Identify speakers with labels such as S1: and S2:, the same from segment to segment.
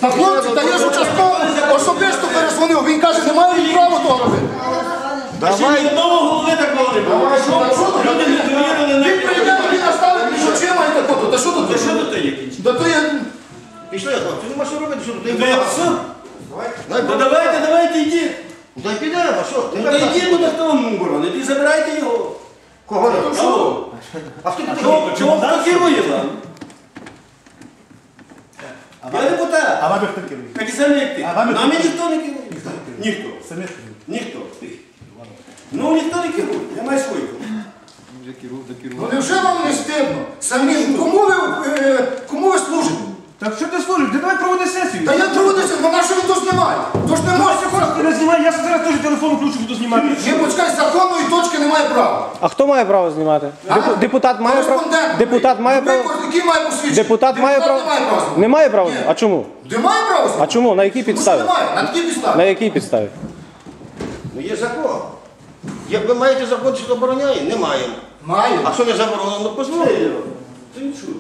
S1: Та хлопці, та я ж участково особисто перезвонив, він каже, немає права того робити.
S2: Давай.
S3: Одного голови такого не було. Люди не довірили на...
S1: Він прийде, він наставить між очима і такого. Та що тут?
S3: Та що тут є кінчить?
S1: Та то я...
S2: Пішли, хлопці, нема що робити, що тут?
S3: Та я все. Та давайте йдіть.
S2: Дай підемо, що?
S3: Та йдіть, буде хто вам боронить, і забирайте його.
S2: Кого не?
S3: А чого хто керує вам? Я депутат.
S4: А вами хто керує?
S3: Так і самі як ти.
S4: А вами
S3: Нами
S4: хто?
S3: ніхто не керує. Ніхто.
S4: Самі керує.
S3: Ніхто. Ну ніхто не керує. Я маю свою.
S1: Ну невже вам не стидно? Самим, кому ви служите?
S4: Так що ти служиш? Ти давай проводи сесію.
S1: Та я трудився, вона що він то знімає? Тож не може.
S4: Ти не знімай, я зараз теж телефон включу, буду знімати.
S1: Ні, почекай, законної точки немає права.
S5: А хто має право знімати? Депутат має право?
S1: Кореспондент.
S5: Депутат має право?
S1: Який має посвідчення?
S5: Депутат має право?
S1: не має права.
S5: Не має права? А чому?
S1: Немає права?
S5: А чому? На якій підставі?
S1: Немає, на такій підставі.
S5: На якій підставі?
S2: Ну є закон. Як ви маєте закон, що забороняє? Не маємо.
S1: Має.
S2: А що не заборонено, ну позволить.
S3: Ти чуєш?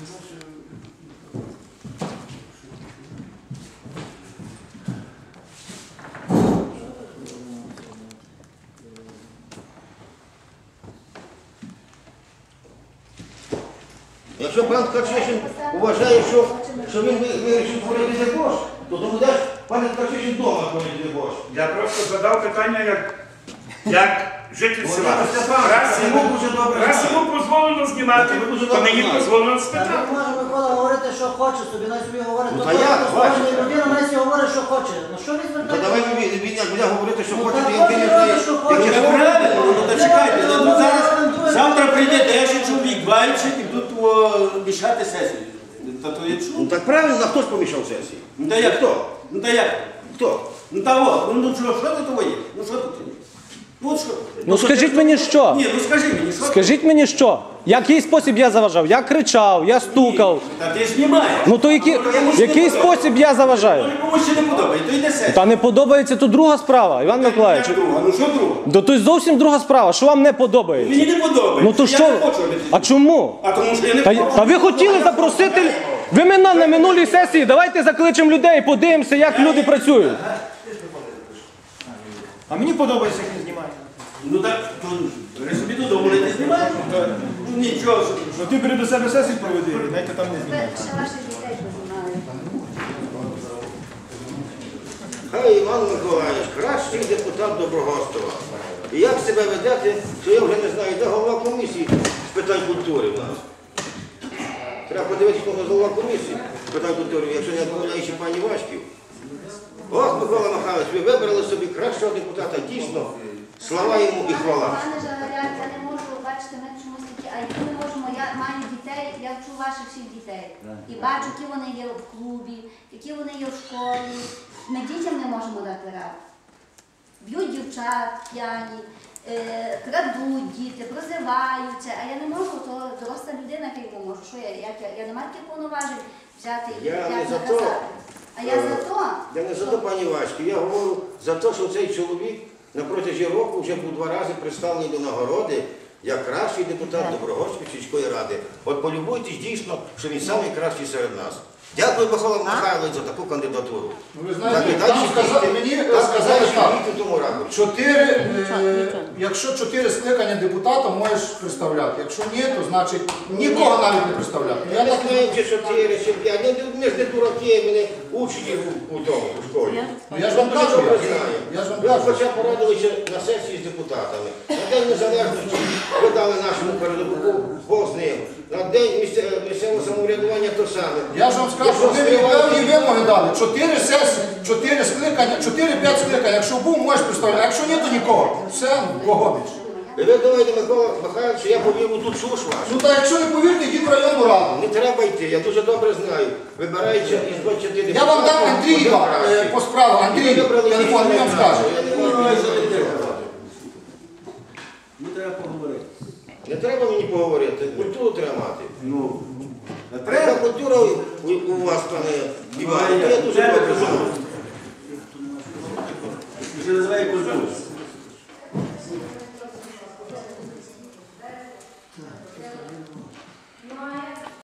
S2: Якщо пан Ткачишин вважає, що він вирішив творити дебош, то тому даш пан Ткачишин вдома творити дебош.
S6: Я просто задав питання, як житель села.
S2: Раз
S6: Йому дозволено знімати, то мені дозволено спитати.
S7: Може Микола говорити, що хоче собі, най собі говорить,
S2: Ну,
S7: то
S2: та як,
S7: кожна людина най собі говорить, що хоче. Ну що він
S2: Та
S7: звертає?
S2: давай він як буде говорити, що
S7: Ну,
S2: хоче,
S7: так
S2: то я не знаю.
S7: що хоче.
S2: Як я
S3: Правильно, ну то чекайте, ну зараз, завтра прийде 10 чоловік, 20 і тут мішати сесію. Та то я
S2: Ну
S3: чую.
S2: так правильно, а хто ж помішав сесії?
S3: Ну та як?
S2: Хто?
S3: Ну та як?
S2: Хто?
S3: Ну та от, ну що тут є? Ну що тут є? Ну що?
S5: Ну скажіть мені що?
S3: Ні, ну скажи мені, що?
S5: Скажіть мені що? Який спосіб я заважав? Я кричав, я стукав.
S3: Та ти знімаєш.
S5: Ну то який спосіб я заважаю?
S3: Ну комусь ще не подобається, то йде сесія.
S5: Та не подобається, то друга справа, Іван Миколаївич.
S3: Як друга? Ну що друга?
S5: Да то й зовсім друга справа. Що вам не подобається?
S3: Мені не подобається.
S5: Ну то
S3: Я
S5: що?
S3: не хочу робити.
S5: А чому?
S3: А тому що я не
S5: Та ви хотіли запросити. Ви мене на минулій сесії, давайте закличемо людей, подивимося, як люди працюють.
S4: А мені подобається, як він знімає.
S3: Ну так, то ви собі додому не знімаєш. Ну нічого.
S4: Ну ти перед себе сесію проведи, дайте там не знімати.
S8: Ще ваших дітей познімали.
S2: Хай Іван Миколаївич, кращий депутат Доброгостова. І як себе ведете, то я вже не знаю, де голова комісії з питань культури в нас. Треба подивитися, хто голова комісії з питань культури, якщо не відмовляючи пані Вашків. Ох, Микола Михайлович, ви вибрали собі кращого депутата, дійсно, слава йому і хвала.
S8: Пане Жагаряк, я не можу, бачити, ми чомусь такі, а які ми можемо, я маю дітей, я вчу ваших всіх дітей. І бачу, які вони є в клубі, які вони є в школі. Ми дітям не можемо дати раду. Б'ють дівчат п'яні, крадуть діти, прозиваються, а я не можу, то доросла людина, як я можу. Що я не маю таких повноважень взяти і
S2: Я не
S8: як
S2: за то.
S8: наказати. А я за то.
S2: Я не за то, пані Вашків, я говорю за те, що цей чоловік на протязі року вже був 2 рази представлений до нагороди як кращий депутат Доброгостської сільської ради. От полюбуйтесь дійсно, що він найкращий серед нас. Дякую, Микола Михайлович, за таку кандидатуру.
S1: Ну, ви знаєте, там мені сказали так, якщо 4 скликання депутата можеш представляти, якщо ні, то значить нікого навіть не представляти.
S2: Я не знаю, чи 4, чи 5. Ми ж не дураки, мене учні у тому, у школі.
S1: Ну, я ж вам кажу, я ж вам
S2: Ви
S1: кажу.
S2: хоча порадилися на сесії з депутатами. На День Незалежності ви дали нашому передовику Бог з ним. На День місцевого самоврядування то саме.
S1: Я ж вам скажу, що ви мені певні вимоги дали. 4 сесії, 4 скликання, 4-5 скликань. Якщо був, можеш представляти. А якщо ні, то нікого. Все, погодиш.
S2: І ви думаєте, Микола Михайлович, що я повірю ту чуш вашу?
S1: Ну так якщо не повірте, йдіть в районну раду.
S2: Не треба йти, я дуже добре знаю. Вибирається із 20 депутатів.
S1: Я вам дам Андрія по справу. Андрій, телефон, він вам скаже.
S3: Ну треба поговорити.
S2: Не треба мені поговорити, культуру треба мати.
S3: Ну,
S2: Така культура у вас, пане Іване, то я дуже добре знаю.
S3: Це називає культуру.